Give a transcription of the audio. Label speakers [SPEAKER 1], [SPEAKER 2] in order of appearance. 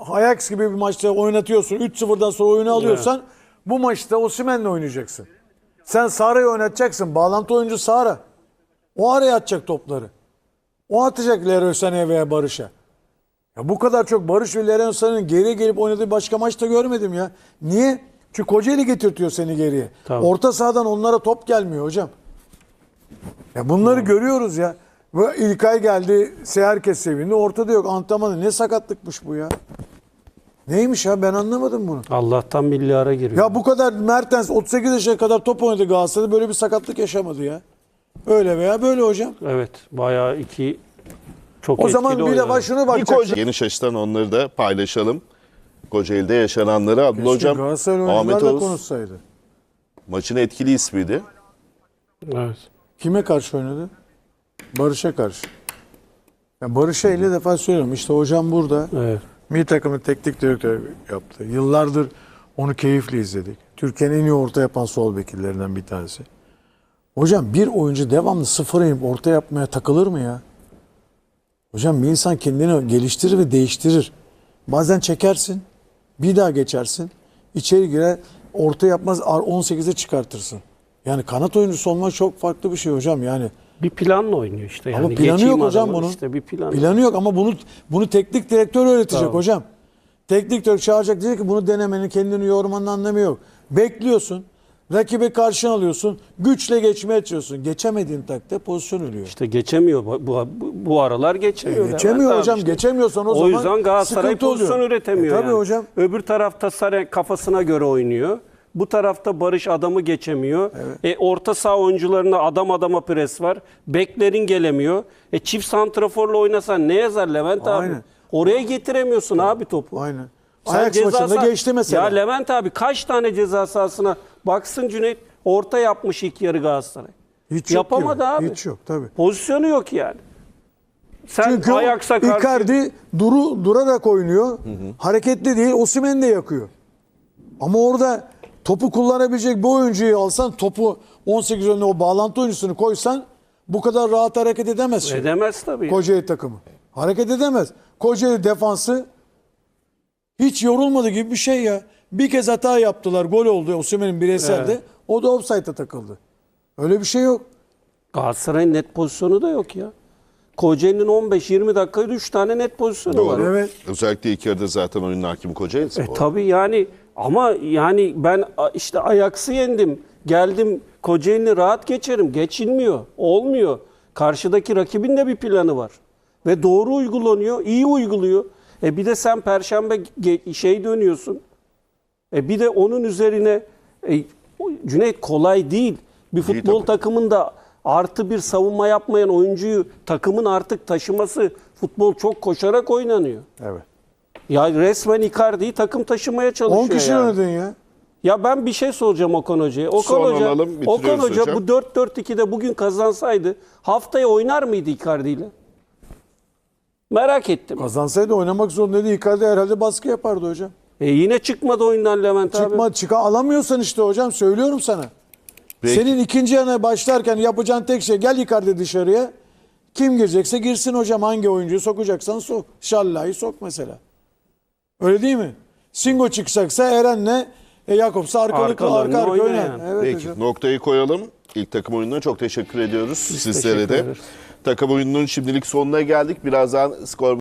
[SPEAKER 1] Ajax gibi bir maçta oynatıyorsun. 3-0'dan sonra oyunu alıyorsan bu maçta Osimhen'le oynayacaksın. Sen Sara'yı oynatacaksın. Bağlantı oyuncu Sara. O araya atacak topları. O atacak Leroy Sané'ye veya Barış'a. Ya bu kadar çok Barış ve Leroy Sané'nin geriye gelip oynadığı başka maçta görmedim ya. Niye? Çünkü Kocaeli getirtiyor seni geriye.
[SPEAKER 2] Tamam.
[SPEAKER 1] Orta sahadan onlara top gelmiyor hocam. Ya bunları görüyoruz ya. Ve İlkay geldi, herkes sevindi. Ortada yok. Antrenmanı ne sakatlıkmış bu ya. Neymiş ya, ben anlamadım bunu.
[SPEAKER 2] Allah'tan milli ara giriyor.
[SPEAKER 1] Ya bu kadar Mertens 38 yaşına kadar top oynadı Galatasaray'da, böyle bir sakatlık yaşamadı ya. Öyle veya böyle hocam.
[SPEAKER 2] Evet, bayağı çok
[SPEAKER 1] O
[SPEAKER 2] etkili
[SPEAKER 1] zaman bir de şunu bakacak.
[SPEAKER 3] Geniş açıdan onları da paylaşalım. Kocaeli'de yaşananları. Abdullah Hocam,
[SPEAKER 1] Galatasaray
[SPEAKER 3] Ahmet
[SPEAKER 1] oyuncularla
[SPEAKER 3] Oğuz
[SPEAKER 1] konuşsaydı.
[SPEAKER 3] maçın etkili ismiydi.
[SPEAKER 2] Evet.
[SPEAKER 1] Kime karşı oynadı? Barış'a karşı. Ya Barış'a 50 defa söylüyorum. İşte hocam burada.
[SPEAKER 2] Evet.
[SPEAKER 1] Milli takımın teknik direktörü yaptı. Yıllardır onu keyifle izledik. Türkiye'nin en iyi orta yapan sol bekillerinden bir tanesi. Hocam bir oyuncu devamlı sıfıra inip orta yapmaya takılır mı ya? Hocam bir insan kendini geliştirir ve değiştirir. Bazen çekersin, bir daha geçersin, içeri girer, orta yapmaz, 18'e çıkartırsın. Yani kanat oyuncusu olmak çok farklı bir şey hocam yani.
[SPEAKER 2] Bir planla oynuyor işte. Yani
[SPEAKER 1] Ama planı yok
[SPEAKER 2] geçeyim
[SPEAKER 1] hocam
[SPEAKER 2] adamı,
[SPEAKER 1] bunun.
[SPEAKER 2] İşte bir plan.
[SPEAKER 1] Planı yok ama bunu teknik direktör öğretecek
[SPEAKER 2] Tamam.
[SPEAKER 1] hocam. Teknik direktör çağıracak, diyecek ki bunu denemenin, kendini yormanın anlamı yok. Bekliyorsun. Rakibe karşına alıyorsun. Güçle geçmeye çalışıyorsun. Geçemediğin takdirde pozisyon ölüyor.
[SPEAKER 2] İşte geçemiyor. Bu aralar geçemiyor.
[SPEAKER 1] Geçemiyor
[SPEAKER 2] Levent
[SPEAKER 1] hocam.
[SPEAKER 2] abi işte.
[SPEAKER 1] Geçemiyorsan o
[SPEAKER 2] O
[SPEAKER 1] zaman
[SPEAKER 2] yüzden Galatasaray
[SPEAKER 1] sıkıntı
[SPEAKER 2] pozisyon
[SPEAKER 1] oluyor.
[SPEAKER 2] üretemiyor.
[SPEAKER 1] Tabii
[SPEAKER 2] yani.
[SPEAKER 1] hocam.
[SPEAKER 2] Öbür tarafta Sarı kafasına göre oynuyor. Bu tarafta Barış adamı geçemiyor. Orta saha oyuncularına adam adama pres var. Beklerin gelemiyor. Çift santraforla oynasan ne yazar Levent abi?
[SPEAKER 1] Aynen.
[SPEAKER 2] Oraya getiremiyorsun abi topu.
[SPEAKER 1] Aynen.
[SPEAKER 2] Sen
[SPEAKER 1] Ajax maçında geçti mesela.
[SPEAKER 2] Ya Levent abi kaç tane ceza sahasına baksın Cüneyt, orta yapmış ilk yarı Galatasaray.
[SPEAKER 1] Hiç
[SPEAKER 2] Yapamadı
[SPEAKER 1] yok
[SPEAKER 2] abi.
[SPEAKER 1] Hiç yok tabii.
[SPEAKER 2] Pozisyonu yok yani. Sen
[SPEAKER 1] Çünkü
[SPEAKER 2] Ajax'a karşı...
[SPEAKER 1] Icardi durarak oynuyor. Hareketli değil. Osimhen de yakıyor. Ama orada topu kullanabilecek bir oyuncuyu alsan, topu 18 önüne o bağlantı oyuncusunu koysan bu kadar rahat hareket edemez.
[SPEAKER 2] Edemez tabii.
[SPEAKER 1] Kocaeli takımı. Hareket edemez. Kocaeli defansı hiç yorulmadı gibi bir şey ya. Bir kez hata yaptılar. Gol oldu Osimhen'in bireyselde.
[SPEAKER 2] Evet.
[SPEAKER 1] O da offside'a takıldı. Öyle bir şey yok.
[SPEAKER 2] Galatasaray'ın net pozisyonu da yok ya. Kocaeli'nin 15-20 dakikada 3 tane net pozisyonu var.
[SPEAKER 1] Evet.
[SPEAKER 3] Özellikle ilk yarıda zaten oyunun hakimi Kocaeli.
[SPEAKER 2] Tabii yani ama yani ben işte Ajax'ı yendim. Geldim Kocaeli'ni rahat geçerim. Geçilmiyor. Olmuyor. Karşıdaki rakibin de bir planı var. Ve doğru uygulanıyor. İyi uyguluyor. Bir de sen Perşembe dönüyorsun. Bir de onun üzerine Cüneyt kolay değil. Bir futbol takımında artı bir savunma yapmayan oyuncuyu takımın artık taşıması, futbol çok koşarak oynanıyor.
[SPEAKER 1] Evet.
[SPEAKER 2] Ya resmen Icardi'yi takım taşımaya çalışıyor
[SPEAKER 1] 10 kişi
[SPEAKER 2] yani.
[SPEAKER 1] oynadın ya.
[SPEAKER 2] Ya ben bir şey soracağım Okan Hoca'ya.
[SPEAKER 3] Son alalım, bitiriyoruz
[SPEAKER 2] Okan Hoca
[SPEAKER 3] hocam.
[SPEAKER 2] bu 4-4-2'de bugün kazansaydı haftaya oynar mıydı Icardi ile? Merak ettim.
[SPEAKER 1] Kazansaydı oynamak zorundaydı. Icardi herhalde baskı yapardı hocam.
[SPEAKER 2] Yine çıkmadı oyundan Levent abi.
[SPEAKER 1] Alamıyorsan işte hocam, söylüyorum sana.
[SPEAKER 3] Peki.
[SPEAKER 1] Senin ikinci yana başlarken yapacağın tek şey, gel Icardi dışarıya. Kim girecekse girsin hocam. Hangi oyuncuyu sokacaksan sok. Şallah'ı sok mesela. Öyle değil mi? Singo çıkacaksa Eren'le Jakobs'u arka
[SPEAKER 2] Arkalarını
[SPEAKER 1] arka oynar.
[SPEAKER 2] oynayan.
[SPEAKER 1] Evet
[SPEAKER 3] Peki
[SPEAKER 1] hocam.
[SPEAKER 3] noktayı koyalım. İlk takım oyununa çok teşekkür ediyoruz sizlere
[SPEAKER 2] teşekkür
[SPEAKER 3] de.
[SPEAKER 2] ederiz.
[SPEAKER 3] Takım oyununun şimdilik sonuna geldik. Birazdan skor